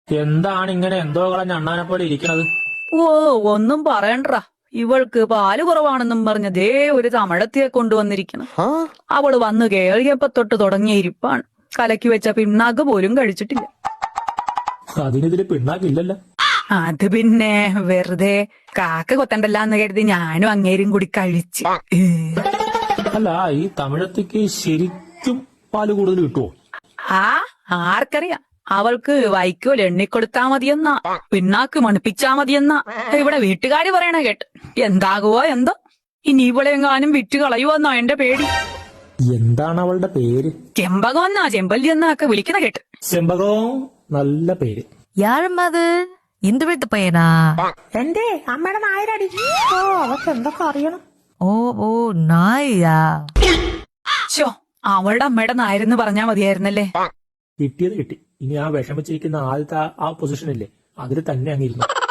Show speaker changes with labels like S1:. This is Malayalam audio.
S1: എന്താണ് ഇങ്ങനെ എന്തോ കളഞ്ഞ അണ്ണാനെ പോലെ ഇരിക്കണത്?
S2: ഓ ഒന്നും പറയണ്ട. ഇവൾക്ക് പാല് കുറവാണെന്നും പറഞ്ഞ ദേ ഒരു തമിഴത്തിയെ കൊണ്ടുവന്നിരിക്കണം. അവള് വന്ന് കേറിയപ്പോ തൊട്ട് തുടങ്ങിയ ഇരിപ്പാണ്. കലക്കി വെച്ച പിണ്ണാക്ക് പോലും കഴിച്ചിട്ടില്ല.
S1: അതിനെതിരെ പിണ്ണാക്കില്ലല്ലോ.
S2: അത് പിന്നെ വെറുതെ കാക്ക കൊത്തണ്ടല്ലാന്ന് കരുതി ഞാനും അങ്ങേരും കൂടി കഴിച്ച്.
S1: അല്ല, ഈ തമിഴത്തേക്ക് ശരിക്കും പാല് കൂടുതൽ കിട്ടുവോ?
S2: ആർക്കറിയാം. അവൾക്ക് വൈക്കോൽ എണ്ണിക്കൊടുത്താ മതിയെന്നാ, പിണ്ണാക്ക് മണിപ്പിച്ചാ മതിയെന്നാ ഇവിടെ വീട്ടുകാര് പറയണ കേട്ട്. എന്താകുവോ എന്തോ. ഇനി ഇവളെങ്ങാനും വിറ്റ് കളയുവെന്നാ എന്റെ പേടി.
S1: എന്താണ് അവളുടെ പേര്?
S2: ചെമ്പകം എന്നാ ചെമ്പല്ലി എന്നാ ഒക്കെ വിളിക്കണ കേട്ട്.
S1: ചെമ്പകം, നല്ല പേര്.
S3: யாரும்மா இந்த வீட்டு பையனா?
S4: എന്റെ അമ്മയുടെ നായരടി. ഓ അവർക്ക് എന്തൊക്കെ അറിയണം.
S3: ഓ ഓ നായ.
S2: ചോ, അവളുടെ അമ്മയുടെ നായരെന്ന് പറഞ്ഞാ മതിയായിരുന്നല്ലേ.
S1: കിട്ടിയത് കിട്ടി. ഇനി ആ വിഷമിച്ചിരിക്കുന്ന ആദ്യത്തെ ആ പൊസിഷനില്ലേ, അതിൽ തന്നെ അങ്ങിരുന്നു.